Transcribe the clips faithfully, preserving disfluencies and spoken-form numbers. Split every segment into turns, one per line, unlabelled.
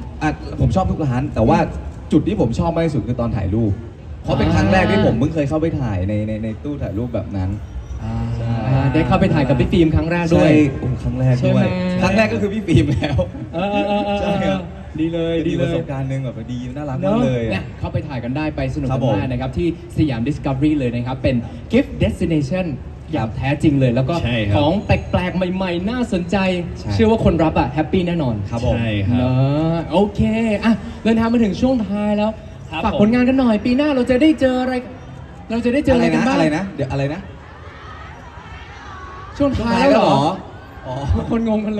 อ่ะผมชอบทุกร้านแต่ว่าจุดที่ผมชอบมากที่สุดคือตอนถ่ายรูปเพราะเป็นครั้งแรกที่ผมเพิ่งเคยเข้าไปถ่ายในในในตู้ถ่ายรูปแบบนั้นใช่
ได้เข้าไปถ่ายกับพี่ฟิล์มครั้งแรกด้วย
ใช่โอ้ครั้งแรก
ใช่
ด้
ไห
ว
ม
ยครั้งแรกก็คือพี่ฟิล์มแล้ว
เออเออเออเออ
ใช่ครับ
ดีเลยดี
ดี
เล
ประส
ย
บการณ์หนึ่งแบบดีน่ารัก
เน
มาก
อะ
เลย
เนี่ยเข้าไปถ่ายกันได้ไปสนุก
ครั
กับ น
ผม
มากนะครับที่สยาม Discovery เลยนะครับ เป็น Gift Destination อย่างแท้จริงเลย แล้วก็
ใช่ครับ
ของแปลกๆ ใหม่ๆ น่าสนใจ
ใช่
เชื่อว่าคนรับอ่ะแฮปปี้แน่นอน
ครับผม
ใช่ครั
เน
บ
อะโอเคอ่ะเดินทางมาถึงช่วงท้ายแล้ว
ครับ
ฝาก
ผม
ผลงานกันหน่อย ปีหน้าเราจะได้เจออะไร เราจะได้เจอ
อะ
อะไร ไรกัน
นะ
บ้าง
อะไรนะเดี๋ยวอะไรนะ
ช่วงท้ายแล้วเหรอ
อ๋อ
ทุกคนงงกันเลย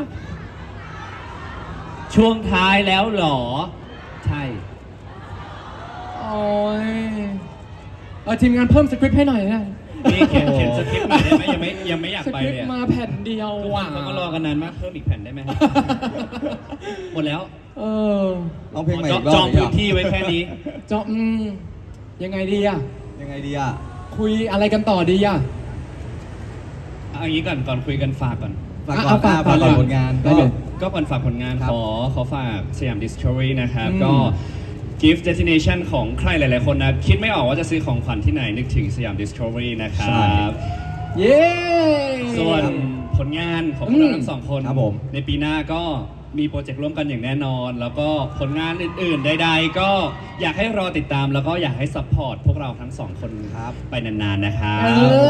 ช่วงท้ายแล้วเหรอ ใช่
โอ้ยเออทีมงานเพิ่มสคริปต์ให้หน่อยนะ
นี่เขียนเขียนสคริปต์มาได้ไหมยังไม่ยังไม่อยาก
ส
ไป
คริป
เลย
ต์
อะ
มาแผ่นเดียว
ทุกค
ว่ะ
นเขาก็รอกันนานมากเพิ่มอีกแผ่นได้ไหมครับ หมดแล้ว
เออ
ลองเพลงใหม่
จ
อี
อง
กรอบ
จอง
ดีก
พื้
ว่าน
ที่ไว้แค่นี้
จออืมยังไงดีอะ
ยังไงดีอ่ะ
คุยอะไรกันต่อดีอะ
เอาอย่างนี้ก่อนก่อนคุยกันฝากก่อน
ฝาก
อ่ะ
ก่อน
เอาฝาก
อ่ะฝากก่อน
ฝากก่อน
ผลงาน
ได้
ก็
เลย
ก็ก่อนฝากผลงาน
ครับ
ขอขอฝากสยาม Discovery นะครับ
อืม
ก็ Gift Destination ของใครหลาย ๆ คนนะ คิดไม่ออกว่าจะซื้อของขวัญที่ไหน นึกถึงสยาม Discovery นะครับ
เย้
ส่วนผลงานของพวกเราทั้งสองคน
ครับผม
ในปีหน้าก็มีโปรเจกต์ร่วมกันอย่างแน่นอน แล้วก็ผลงานอื่น ๆ ใด ๆ ก็อยากให้รอติดตามแล้วก็อยากให้ซัพพอร์ตพวกเราทั้งสองคน
ครับ
ไปนาน ๆ นะครั
เอบ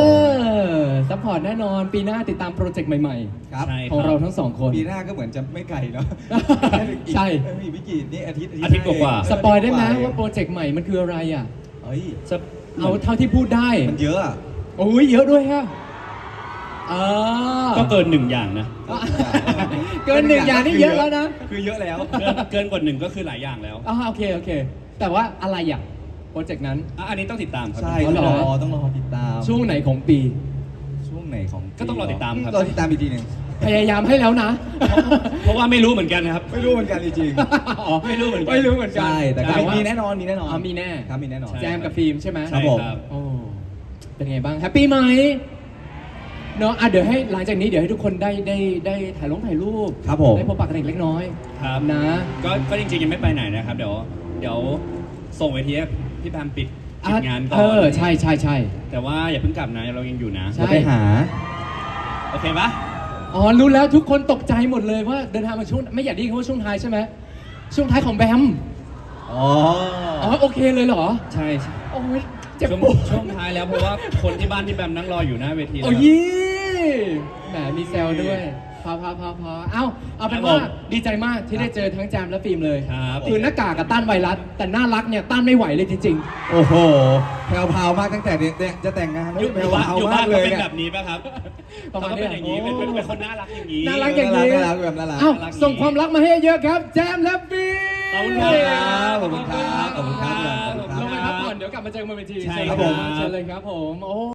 อซัพพอร์ตแน่นอน ปีหน้าติดตามโปรเจกต์ใหม่
ครับ
ใช่
ๆ ของเราทั้งสองคน
ปีหน้าก็เหมือนจะไม่ไกลเนาะ
ใช่
เอ้ยมีพี่กี่นี่อาทิตย์
อาทิตย์กว่าๆ
สปอยได้ไหม
เง
ว่าโปรเจกต์ใหม่มันคืออะไรอ่ะ
เฮ้ย
เอาเท่าที่พูดได้
มันเยอะอะ
โอ้ยเยอะด้วยฮะเออ
ก็เกินหนึ่งอย่างนะ
เกินหนึ่งอย่างนี่เยอะแล้วนะ
คือเยอะแล้ว
เกินเกินกว่าหนึ่งก็คือหลายอย่างแล้ว
อ่าโอเคโอเค แต่ว่าอะไรอ่ะโปรเจกต์นั้น
อ่ะอันนี้ต้องติดตามครับ
ใช่
อ๋อ
ต้
เหร
อง
อ
รอต้องรอติดตาม
ช่วงไหนของปี
ช่วงไหนของ
ก็ต้องรอติดตามครับ
รอติดตามอีกทีหนึ่ง
พยายามให้แล้วนะ
เพราะว่าไม่รู้เหมือนกันนะครับ
ไม่รู้เหมือนกันจริง
อ๋อ
ไม่รู้เหมือนกัน
ไม่รู้เหมือน
ๆ
กัน
ใช่แต่ก็
ว่า
มีแน่นอนมีแน่นอน
อ๋อมีแน่
ครับมีแน่นอน
ใช่
แจมกับฟิล์มใช่ไหม
ครับผม
ใช่
โอ้เป็นไงบ้างแฮปปี้ไหมเนาะอ่ะเดี๋ยวให้หลังจากนี้เดี๋ยวให้ทุกคนได้ได้ได้ถ่ายลงถ่ายรูป
ครับผม
ได้พบปะกันอีกเล็กน้อย
ครับ
นะ
ก็ก็จริงๆยังไม่ไปไหนนะครับ เดี๋ยวเดี๋ยวส่งเวทีให้พี่แพมปิดปิดงานก่อน
เออใช่ใช่ใช่
แต่ว่าอย่าเพิ่งกลับนะเรายังอยู่นะ
ใช่
จะไปหา
โอเคปะ
อ๋อรู้แล้วทุกคนตกใจหมดเลยว่าเดินทางมาช่วงไม่อยากได้ยินคำว่าช่วงท้ายใช่ไหมช่วงท้ายของแบม
อ๋อ
อ๋อโอเคเลยเหรอ
ใช่ใช่
โอ้ยเจ็บ
ช่วง
ปวด
ช่วงท้ายแล้วเพราะว่าคนที่บ้านพี่แบมนั่งรออยู่หน้าเวทีแล้ว
โอ้
ครับ
ยี่แหมมีแซวด้วยพอพอพอพอเอ้าเอาเป็นว่า
ครับผม
ดีใจมากที่ได้เจอทั้งแจมและฟิล์มเลย
ครับ
คือหน้ากากกับต้านไวรัสแต่น่ารักเนี่ยต้านไม่ไหวเลยจริง
โอ้โหแพรวพราวมากตั้งแต่เนี่ยจะแต่งงาน
อยู่
แพร
อยู่
ว
บ้าน
พราว
อยู่
มา
บ้าน
กเล
เขา
ย
เป็น
เนี่ย
แบบนี้ป่ะครับ
ประมาณ
เขา
นี้
เป็นอย่างนี้เป็นเป็นเป็นคนน่ารักอย่างนี้
น่ารักอย่างนี้
น่ารักแบบน่ารัก
ๆเอ้าส่งความรักมาให้เยอะๆครับ แจมและฟิล์ม
ขอบคุณ
ครับขอบคุณครับขอบคุณครับ
ขอบคุณ
ลงไป
ค
พั
รั
ก
บ
ผ่อนเดี๋ยวกลับมาเจอกันบนเวที
ใช่
เชิญ
ครับ
ผม
ผม
เชิญเลยครับผมโอ้